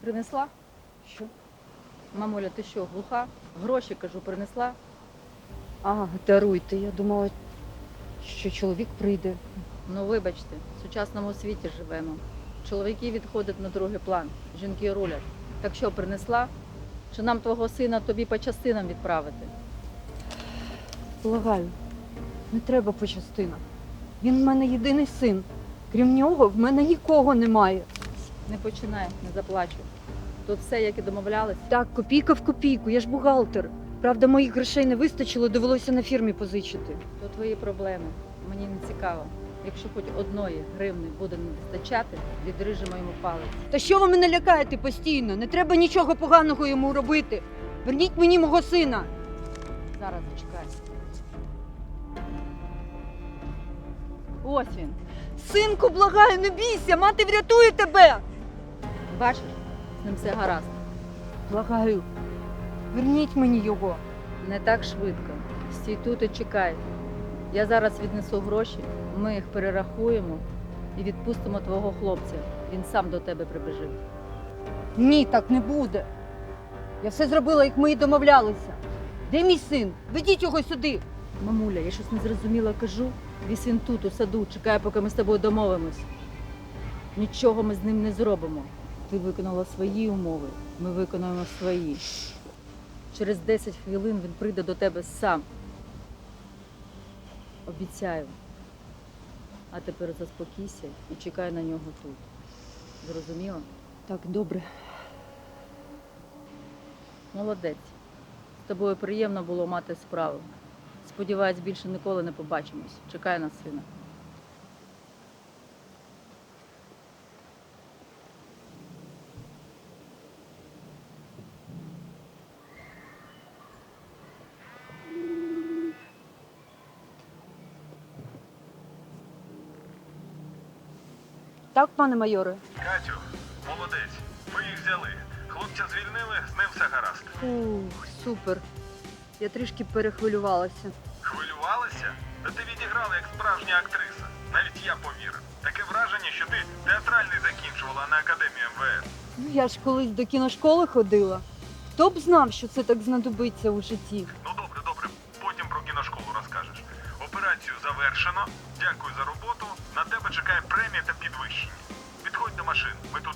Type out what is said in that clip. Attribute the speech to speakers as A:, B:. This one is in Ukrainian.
A: принесла?
B: Що?
A: Мамуля, ти що, глуха? Гроші, кажу, принесла?
B: А, даруйте, я думала, що чоловік прийде.
A: Ну, вибачте, в сучасному світі живемо. Чоловіки відходять на другий план, жінки рулять. Так що, принесла? Чи нам твого сина тобі по частинам відправити?
B: Благаю, не треба по частинах. Він в мене єдиний син. Крім нього, в мене нікого немає.
A: Не починай, не заплачу. Тут все, як і домовлялись.
B: Так, копійка в копійку, я ж бухгалтер. Правда, моїх грошей не вистачило, довелося на фірмі позичити.
A: То твої проблеми. Мені не цікаво. Якщо хоч одної гривни буде не вистачати, відрижемо йому палець.
B: Та що ви мене лякаєте постійно? Не треба нічого поганого йому робити. Верніть мені мого сина.
A: Зараз зачекай. Ось він.
B: Синку, благаю, не бійся, мати врятує тебе.
A: Бачиш, з ним все гаразд.
B: Благаю, верніть мені його.
A: Не так швидко. Стій тут і чекай. Я зараз віднесу гроші, ми їх перерахуємо і відпустимо твого хлопця. Він сам до тебе прибіжить.
B: Ні, так не буде. Я все зробила, як ми і домовлялися. Де мій син? Ведіть його сюди.
A: Мамуля, я щось незрозуміло кажу. Вісь він тут, у саду, чекає, поки ми з тобою домовимось. Нічого ми з ним не зробимо. Ти виконала свої умови, ми виконуємо свої. Через 10 хвилин він прийде до тебе сам. Обіцяю. А тепер заспокійся і чекай на нього тут. Зрозуміло?
B: Так, добре.
A: Молодець. З тобою приємно було мати справу. Сподіваюсь, більше ніколи не побачимось. Чекай на сина.
B: Так, пане майоре?
C: Катю, молодець. Ми їх взяли. Хлопця звільнили, з ним все гаразд.
B: Ух, супер. Я трішки перехвилювалася.
C: Хвилювалася? Та ти відіграла як справжня актриса. Навіть я повірив. Таке враження, що ти театральний закінчувала на академії МВС.
B: Ну, я ж колись до кіношколи ходила. Хто б знав, що це так знадобиться у житті?
C: Ну добре, добре. Потім про кіношколу розкажеш. Операцію завершено. Дякую за роботу. На тебе чекає премія та підвищення. Підходь до машин. Ми